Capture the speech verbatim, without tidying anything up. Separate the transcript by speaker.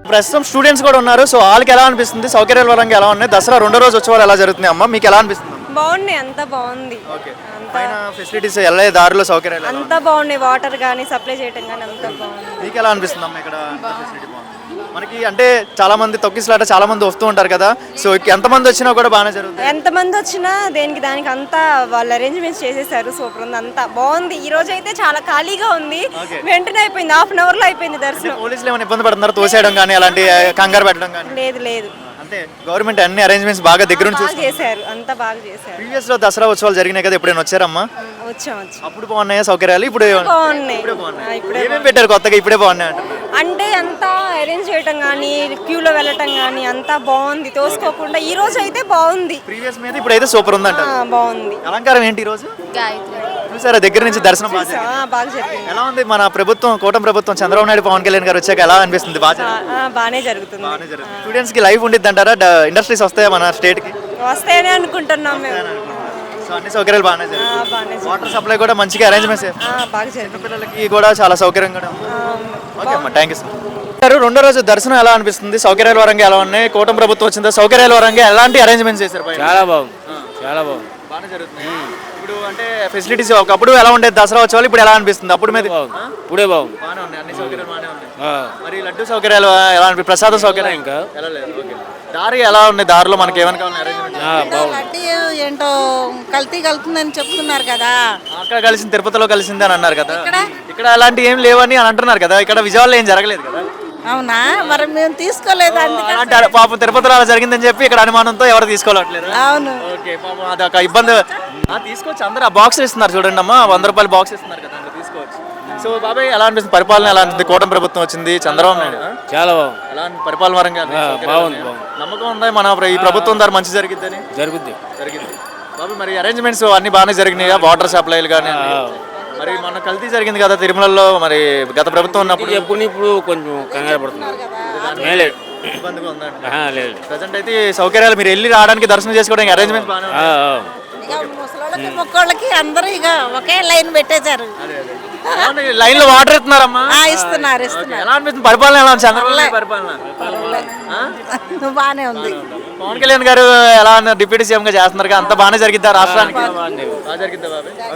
Speaker 1: ప్రస్తుతం స్టూడెంట్స్ కూడా ఉన్నారు. సో వాళ్ళకి ఎలా అనిపిస్తుంది, సౌకర్యాల పరంగా ఎలా ఉన్నాయి, దసరా రెండో రోజు ఉత్సవాలు ఎలా జరుగుతున్నాయి అమ్మ, మీకు ఎలా అనిపిస్తుంది?
Speaker 2: బాగున్నాయి, అంతా బాగుంది.
Speaker 1: పైన ఫెసిలిటీస్ ఎలా, దారిలో సౌకర్యాలు ఎలా
Speaker 2: అంతా బాగున్నాయి, వాటర్ కానీ సప్లై చేయటం కానీ అంతా బాగుంది.
Speaker 1: మీకు ఎలా అనిపిస్తుంది అమ్మ ఇక్కడ ఫెసిలిటీ బాగుంది? మనకి అంటే చాలా మంది తొక్కిసలాట చాలా మంది వస్తూ ఉంటారు కదా, సో ఎంతమంది వచ్చినా కూడా బాగానే జరుగుతుంది.
Speaker 2: ఎంతమంది వచ్చినా దేనికి దానికి అంతా వాళ్ళు అరేంజ్మెంట్స్ చేసేసారు, సూపర్ ఉంది, అంతా బాగుంది. ఈ రోజు అయితే చాలా ఖాళీగా ఉంది, వెంటనే అయిపోయింది, హాఫ్ అన్ అవర్ లో అయిపోయింది దర్శనం.
Speaker 1: పోలీసులు ఏమైనా ఇబ్బంది పడుతున్నారు, తోసేయడం కానీ అలాంటి కంగారు పెట్టడం కానీ?
Speaker 2: లేదు లేదు,
Speaker 1: అంటే గవర్నమెంట్ అన్ని అరేంజ్మెంట్స్ బాగా దగ్గర నుంచి
Speaker 2: బాగా చేశారు, అంతా బాగా చేశారు.
Speaker 1: ప్రీవియస్ లో దసరా ఉత్సవాలు జరిగినాయి కదా, ఎప్పుడైనా వచ్చారమ్మా?
Speaker 2: వచ్చాం వచ్చాం.
Speaker 1: అప్పుడు బాగున్నాయా సౌకర్యాలు? ఇప్పుడు
Speaker 2: బాగున్నాయి,
Speaker 1: ఏమేమి పెట్టారు కొత్తగా, ఇప్పుడే బాగున్నాయి అంటున్నారు?
Speaker 2: అంటే అంతా అరేంజ్ చేయటం కానీ క్యూలో వెళ్ళటం కానీ అంతా బాగుంది, తోసుకోకుండా. ఈ రోజు అయితే బాగుంది,
Speaker 1: ప్రీవియస్ మీద ఇప్పుడు అయితే సూపర్ ఉందంట.
Speaker 2: బాగుంది.
Speaker 1: అలంకారం ఏంటి ఈ రోజు?
Speaker 2: గాయత్రి
Speaker 1: చూసారా దగ్గర నుంచి దర్శనం బాగా జరిగింది?
Speaker 2: బాగా జరిగింది.
Speaker 1: ఎలా ఉంది మన ప్రభుత్వం, కూటమి ప్రభుత్వం, చంద్రబాబు నాయుడు పవన్ కళ్యాణ్ గారు వచ్చాక ఎలా అనిపిస్తుంది? బాగా
Speaker 2: బాగానే జరుగుతుంది.
Speaker 1: స్టూడెంట్స్ కి లైఫ్ ఉండిద్ది అంటారా? ఇండస్ట్రీస్ వస్తాయా మన స్టేట్ కి?
Speaker 2: వస్తాయని అనుకుంటున్నాం మేము.
Speaker 1: సో అన్ని సౌకర్యాలు బాగానే జరుగుతాయి. వాటర్ సప్లై కూడా మంచిగా అరేంజ్మెంట్స్
Speaker 2: బాగా జరిగింది,
Speaker 1: పిల్లలకి కూడా చాలా సౌకర్యంగా ఉంది. ఓకే అమ్మా, థ్యాంక్ యూ సార్. రెండో రోజు దర్శనం ఎలా అనిపిస్తుంది? సౌకర్యాల పరంగా ఎలా ఉన్నాయి? కూటమి ప్రభుత్వం వచ్చిందా, సౌకర్యాల పరంగా ఎలాంటి అరేంజ్మెంట్స్ చేశారు?
Speaker 3: చాలా బాగుంది, చాలా బాగుంది,
Speaker 1: బాగానే జరుగుతుంది. ఇప్పుడు అంటే ఫెసిలిటీస్ ఒకప్పుడు ఎలా ఉండేది దసరా వచ్చేవాళ్ళు, ఇప్పుడు ఎలా అనిపిస్తుంది? అప్పుడు మీద
Speaker 3: ఇప్పుడే బాగుంది,
Speaker 1: బాగానే ఉన్నాయి, అన్ని సౌకర్యాలు బాగానే ఉన్నాయి. మరి లడ్డు సౌకర్యాలు ఎలా అనిపి, ప్రసాద సౌకర్యం ఇంకా ఎలా లేదు? ఓకే, దారి ఎలా ఉంది? దారిలో మనకి ఏమైనా కావాలి అరేంజ్మెంట్?
Speaker 4: లడ్డీ ఏంటో కల్తీ కలుతుందని చెప్తున్నారు కదా,
Speaker 1: అక్కడ కలిసింది తిరుపతిలో కలిసింది అని అన్నారు కదా, ఇక్కడ అలాంటి ఏం లేవని అని అంటున్నారు కదా, ఇక్కడ విజయవాడలో ఏం జరగలేదు కదా?
Speaker 4: అవునా? మరి మేము తీసుకోలేదు,
Speaker 1: అంటే పాపం తిరుపతిలో అలా జరిగిందని చెప్పి ఇక్కడ అనుమానంతో ఎవరు తీసుకోవట్లేదు.
Speaker 4: అవును,
Speaker 1: ఓకే, పాపం అదొక ఇబ్బంది. తీసుకోవచ్చు, అందరూ ఆ బాక్స్ ఇస్తున్నారు చూడండి అమ్మా, వంద రూపాయలు బాక్స్ ఇస్తున్నారు కదా, అందరూ తీసుకోవచ్చు. సో బాబాయ్ ఎలా అనిపిస్తుంది పరిపాలన? ఎలా అనిపిస్తుంది? కూటమి ప్రభుత్వం వచ్చింది, చంద్రబాబు నాయుడు
Speaker 3: చాలా బాగుంది,
Speaker 1: ఎలా పరిపాలన పరంగా
Speaker 3: బాగుంది.
Speaker 1: నమ్మకం ఉందా మన ఈ ప్రభుత్వం ద్వారా మంచి జరిగిద్దని?
Speaker 3: జరుగుద్ది
Speaker 1: జరిగింది బాబు. మరి అరేంజ్మెంట్స్ అన్ని బాగానే జరిగినాయి, వాటర్ సప్లైలు కానీ. మరి మన కల్తీ జరిగింది కదా తిరుమలలో, మరి గత ప్రభుత్వం ఉన్నప్పుడు
Speaker 3: ఎప్పుడు ఇప్పుడు కొంచెం కంగారు పడుతున్నారు.
Speaker 1: ఇబ్బందిగా ఉందండి.
Speaker 3: లేదు,
Speaker 1: ప్రజెంట్ అయితే సౌకర్యాలు మీరు వెళ్ళి రావడానికి, దర్శనం చేసుకోవడానికి అరేంజ్మెంట్స్ బాగానే
Speaker 4: ముసలోళ్ళకి మొక్కోళ్ళకి అందరూ ఇక ఒకే లైన్ పెట్టేశారు.
Speaker 1: లైన్ లో వాటర్ ఇస్తున్నారమ్మా?
Speaker 4: ఇస్తున్నారు ఇస్తున్నారు.
Speaker 1: ఎలా అనిపిస్తుంది పరిపాలన? ఎలా ఉంది చంద్రబాబు నాయుడు పరిపాలన?
Speaker 4: బాగానే ఉంది.
Speaker 1: పవన్ కళ్యాణ్ గారు ఎలా డిప్యూటీ సీఎం గా చేస్తున్నారు, అంత బాగానే జరిగిద్దా రాష్ట్రానికి? బాగా జరిగిద్దా బాబాయ్?